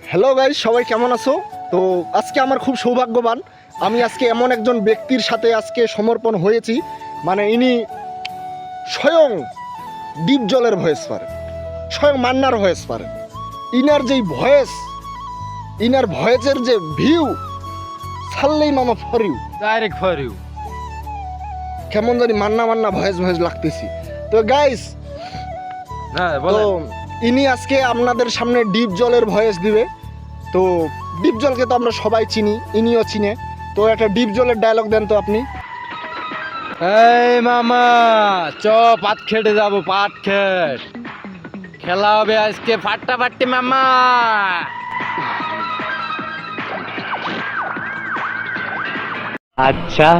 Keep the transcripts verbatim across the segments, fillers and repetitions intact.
Hello guys, সবাই কেমন আছো? তো আজকে আমার খুব সৌভাগ্যবান, আমি আজকে এমন একজন ব্যক্তির সাথে আজকে সমর্পণ হয়েছি, মানে ইনি স্বয়ং ডিপ জলের ভয়েস পারেন, স্বয়ং মান্নার ভয়েস পারেন। ইনার যেই ভয়েস, ইনার ভয়েসের যে ভিউ, ছাড়লেই মামা for you, direct for you. কেমন জানি মান্না মান্না ভয়েস ভয়েস লাগতেছি। তো গাইস, হ্যাঁ তো বলো। ইনি আজকে আপনাদের সামনে ডিপ জলের ভয়েস দিবে। তো ডিপ জলকে তো আমরা সবাই চিনি, ইনিও চিনে। তো একটা ডিপ জলের ডায়লগ দেন তো আপনি। এই মামা চ পাট খেটে যাবো, পাট খেট খেলা হবে আজকে ফাটাফাটি মামা। আচ্ছা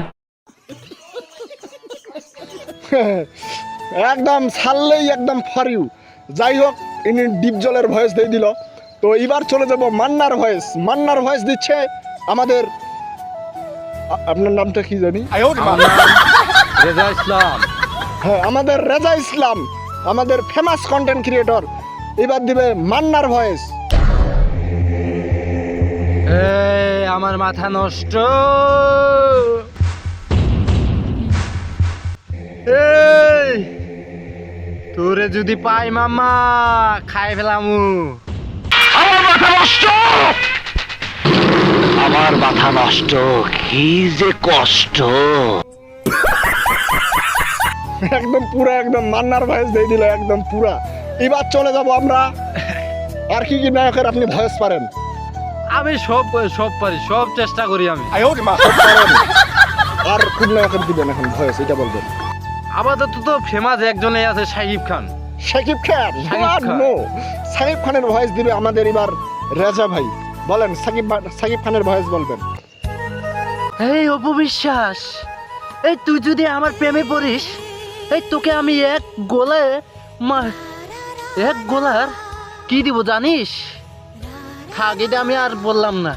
একদম ছাড়লেই একদম ফর ইউ। যাই হোক, ইনি ডিপ জলের ভয়েস দিয়ে দিল। তো এবার চলে যাব মান্নার ভয়েস। মান্নার ভয়েস দিচ্ছে আমাদের, আ- আপনার নামটা কি জানি? আমার নাম রেজা ইসলাম। হ্যাঁ, আমাদের রেজা ইসলাম, আমাদের ফেমাস কন্টেন্ট ক্রিয়েটর, এবার দিবে মান্নার ভয়েস। এই আমার মাথা নষ্ট। এই তোরে যদি পাই মামা খাই ফেলামু। আমার মাথা নষ্ট আমার মাথা নষ্ট কি যে কষ্ট। একদম পুরা, একদম মান্নার ভয়েস দিয়ে দিল একদম পুরা। এবার চলে যাব আমরা, আর কি কি নায়কের আপনি ভয়েস পারেন? আমি সব সব পারি, সব চেষ্টা করি আমি। সব পারেন। আর কোন নায়কের দিবেন এখন ভয়েস, এটা বলবেন। আপাতত তো ফেমাস একজনই আছে, শাকিব খান। শাকিব খান? শাকিব খান। নো, শাকিব খানের ভয়েস দিবে আমাদের এবার রেজা ভাই। বলেন, শাকিব শাকিব খানের ভয়েস বলবেন। এই অপবিশ্বাস, এই তুই যদি আমার প্রেমে পড়িস, এই তোকে আমি এক গোলায় মা- এক গোলার কি দিব জানিস? থাক, এটা আমি আর বললাম না।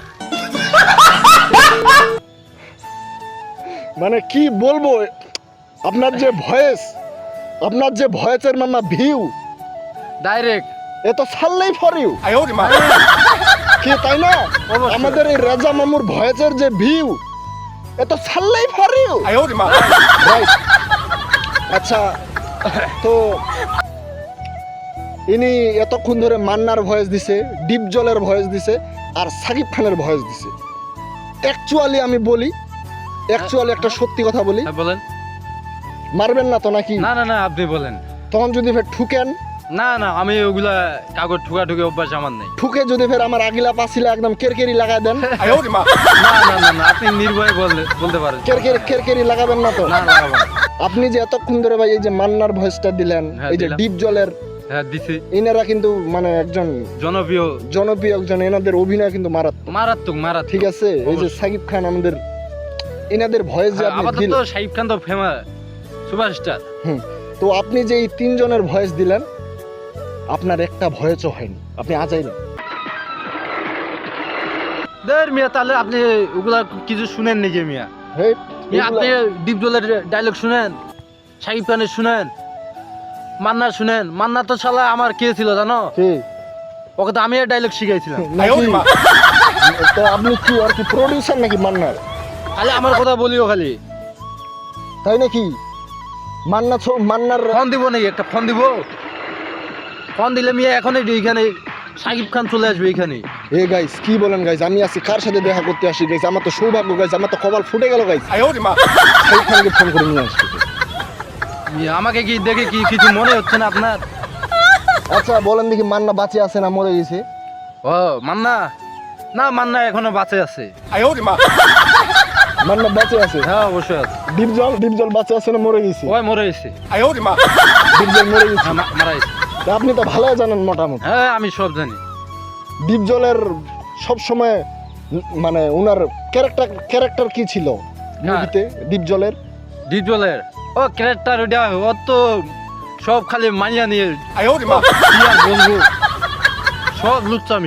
মানে কি বলবো, আপনার যে ভয়েস, আপনার যে ভয়েসের মামা ভিউ, ডাইরেক্ট এ তো ছাড়লেই ফর ইউ কি, তাই না? অবশ্যই। আমাদের এই রেজা মামুর ভয়েসের যে ভিউ, এ তো ছাড়লেই ফর ইউ। রাইট। আচ্ছা, তো ইনি এতক্ষণ ধরে মান্নার ভয়েস দিছে, ডিপ জলের ভয়েস দিছে, আর সাকিব খানের ভয়েস দিছে। অ্যাকচুয়ালি আমি বলি, অ্যাকচুয়ালি একটা সত্যি কথা বলি, হ্যাঁ, বলেন। মারবেন না তো নাকি? না না না, আপনি বলেন। তখন যদি ফের ঠুকেন, না না, আমি ওগুলা কাগজ ঠুকা ঠুকে অভ্যাস আমার নেই। ঠুকে যদি ফের আমার আগিলা পাছিলা একদম কেরকেরি লাগাই দেন, না না না না, আপনি নির্ভয়ে বলতে বলতে পারেন। কেরকেরি কেরকেরি লাগাবেন না তো? না লাগাবো না। আপনি যে এতক্ষণ ধরে ভাই এই যে মান্নার ভয়েসটা দিলেন, হ্যাঁ, এই যে দিলাম। ডিপ জলের, হ্যাঁ দিছি। ইনারা কিন্তু মানে একজন জনপ্রিয়, জনপ্রিয় একজন, এনাদের অভিনয় কিন্তু মারাত্মক। মারাত্মক মারাত্মক। ঠিক আছে, এই যে অবশ্যই। সাকিব খান আমাদের, এনাদের ভয়েস যে আপনি আপাতত দিলেন, শাকিব খান তো ফেমাস সুপারস্টার। হুম, তো আপনি যে এই তিনজনের ভয়েস দিলেন, আপনার একটা ভয়েসও হয়নি, আপনি আজাই না। দের মিয়া, তাহলে আপনি ওগুলা কিছু শুনেন নাকি মিয়া? হেই, মিয়া, আপনি এগুলা- ডিপ জলের ডায়লগ শুনেন, শাকিব খানের শুনেন, মান্নার শুনেন। মান্না তো শালা আমার কে ছিল জানো? কি? ওকে তো আমি ডায়লগ শিখাইছিলাম। নাকি? তো আপনি কি আর কি প্রডিউসার নাকি মান্নার? খালি আমার কথা বলিও খালি। তাই নাকি? মান্না ছো- মান্নার ফোন দিব নাকি? একটা ফোন দিব। ফোন দিলে মিয়া এখনই এইখানে শাকিব খান চলে আসবে এইখানে। এ গাইস, কি বলেন গাইস? আমি আজকে কার সাথে দেখা করতে আসি গাইস? আমার তো সৌভাগ্য গাইস, আমার তো কপাল ফুটে গেল গাইস। শাকিব খানকে ফোন করে নিয়ে আসছি। মিয়া, আমাকে কি দেখে কি কিছু মনে হচ্ছে না আপনার? আচ্ছা বলেন দেখি, মান্না বাঁচে আছে না মরে গেছে? ও মান্না, না মান্না এখনো বাঁচে আছে। মান্না বাঁচে আছে? হ্যাঁ অবশ্যই আছে। ডিপ জল, ডিপ জল বাঁচে আছে না মরে গেছে? ওই মরে গেছে। ডিপ জল মরে গেছে? হ্যাঁ, মা- মারা গেছে। তা আপনি তো ভালোই জানেন মোটামুটি। হ্যাঁ আমি সব জানি। ডিপ জলের সব সময় মানে উনার ক্যারেক্টার ক্যারেক্টার কি ছিল মুভিতে ডিপ জলের? ডিপ জলের ও ক্যারেক্টার ওটা, ও তো সব খালি মাইয়া নিয়ে কি আর বলবো, সব লুচ্চামি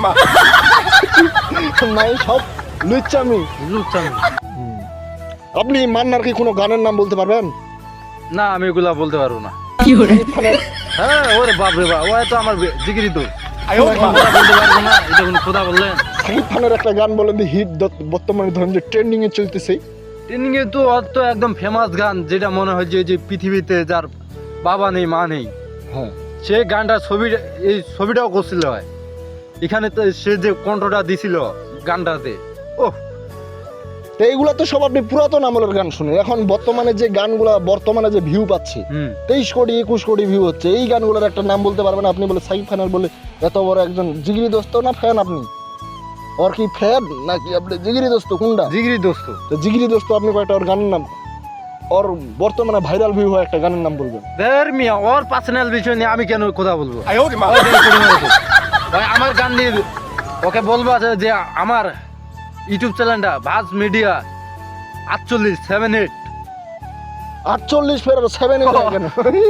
নাই, সব লুচ্চামি। লুচ্চামি। আপনি মান্নার কি কোনো গানের নাম বলতে পারবেন? না আমি এগুলা বলতে পারবো না। হ্যাঁ ওরে বাপ রে বাপ, ও তো আমার জিগিরি তো। আয়ো কথা বলতে পারবো না, এটা কোনো কথা বললেন। সাকিব খানের একটা গান বলেন দি হিট বর্তমানে ধরেন যে ট্রেন্ডিং এ চলতেছে। ট্রেনিং এ তো ওর তো একদম ফেমাস গান, যেটা মনে হয় যে যে পৃথিবীতে যার বাবা নেই মা নেই, হ্যাঁ সে গানটা ছবি এই ছবিটাও করছিল হয় এখানে, তো সে যে কণ্ঠটা দিছিল গানটাতে, ওহ তো এইগুলা তো সব আপনি পুরাতন আমলের গান শুনে, এখন বর্তমানে যে গানগুলা বর্তমানে যে ভিউ পাচ্ছে হুম তেইশ কোটি একুশ কোটি ভিউ হচ্ছে, এই গানগুলোর একটা নাম বলতে পারবেন আপনি? বলে সাকিব খানের বলে এত বড় একজন জিগরি দোস্ত না ফ্যান আপনি? ওর কি ফ্যান নাকি আপনি জিগরি দোস্ত কোনটা? জিগরি দোস্ত। তো জিগরি দোস্ত আপনি কয়েকটা ওর গানের নাম, ওর বর্তমানে ভাইরাল ভিউ হয় একটা গানের নাম বলবেন? দের মিয়া ওর পার্সোনাল বিষয় নিয়ে আমি কেন কথা বলবো? ওর দিকে করে মারবো। ভাই আমার গান নিয়ে ওকে বলবো যে যে আমার ইউটিউব চ্যানেলটা ভাজ মিডিয়া আটচল্লিশ সেভেন এইট আটচল্লিশ ফের সেভেন কেন?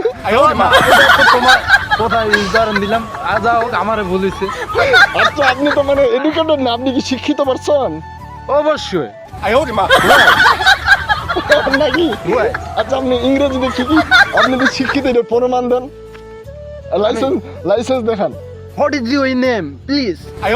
তোমার কোথায় উদাহরণ দিলাম, আজ আমারে বলেছে। আচ্ছা আপনি তো মানে এডুকেটেড না, আপনি কি শিক্ষিত পারছেন অবশ্যই নাকি? আচ্ছা আপনি ইংরেজিতে কি কি আপনি তো শিক্ষিত, এটা প্রমাণ দেন, লাইসেন্স লাইসেন্স দেখান। What is your name please?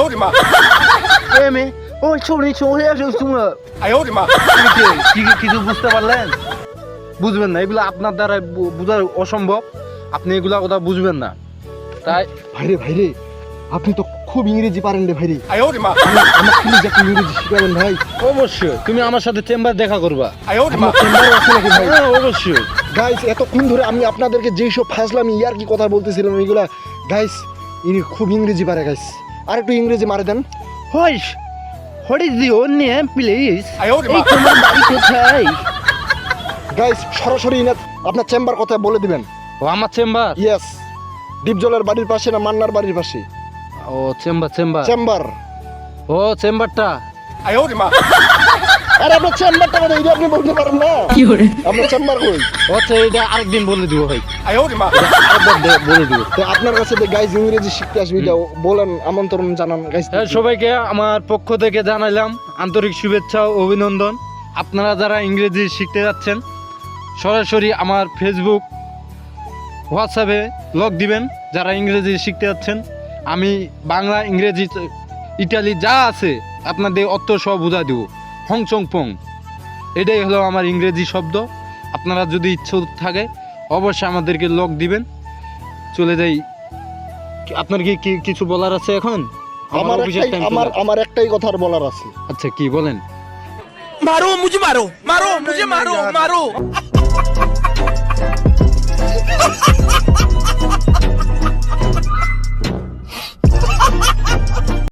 এমএ ও ছোড়ি ছোড়ি আসো তোমরা কি কিছু বুঝতে পারলেন? বুঝবেন না, এগুলো আপনার দ্বারা বু- বোঝা অসম্ভব, আপনি এগুলা কথা বুঝবেন না। তাই ভাইরে ভাইরে আপনি তো খুব ইংরেজি পারেন রে ভাইরে, আমার প্লিজ একটু ইংরেজি শিখাবেন ভাই। অবশ্যই তুমি আমার সাথে চেম্বার দেখা করবা। আমার চেম্বারে আছে নাকি ভাই? হ্যাঁ, অবশ্যই। গাইস এতক্ষণ ধরে আমি আপনাদেরকে যেই সব ফাজলামি ইয়ার কি কথা বলতেছিলাম এগুলা, গাইস ইনি খুব ইংরেজি পারে গাইস, আর একটু ইংরেজি মারে দেন। What's what is your name please? এই তোমার বাড়ি কোথায়? গাইস সরাসরি ইনার আপনার চেম্বার কথা বলে দিবেন। ও আমার চেম্বার। ইয়েস, ডিপজলের বাড়ির পাশে না মান্নার বাড়ির পাশে? ও চেম্বার চেম্বার চেম্বার। ও চেম্বারটা আরে আপনার চেম্বারটা মানে এটা আপনি বলতে পারেন না? আপনার চেম্বার কই? আচ্ছা এটা আরেকদিন বলে দিব ভাই, আরেকবার দে- বলে দিব। তো আপনার কাছে যে গাইস ইংরেজি শিখতে আসবে এটা বলেন, আমন্ত্রণ জানান গাইস। হ্যাঁ, সবাইকে আমার পক্ষ থেকে জানাইলাম আন্তরিক শুভেচ্ছা ও অভিনন্দন। আপনারা যারা ইংরেজি শিখতে যাচ্ছেন সরাসরি আমার ফেসবুক হোয়াটসঅ্যাপে লগ দিবেন। যারা ইংরেজি শিখতে যাচ্ছেন আমি বাংলা ইংরেজি ইটালি যা আছে আপনাদের অর্থ সব বুঝা দেবো। হং চং পং এটাই হলো আমার ইংরেজি শব্দ। আপনারা যদি ইচ্ছে থাকে অবশ্যই আমাদেরকে লগ দিবেন। চলে যাই, আপনার কি কি কিছু বলার আছে এখন? আমার অফিসের একটাই time আমার চলে আমার একটাই কথার বলার আছে। আচ্ছা কি বলেন? मारो मुझे मारो मारो मुझे मारो मारो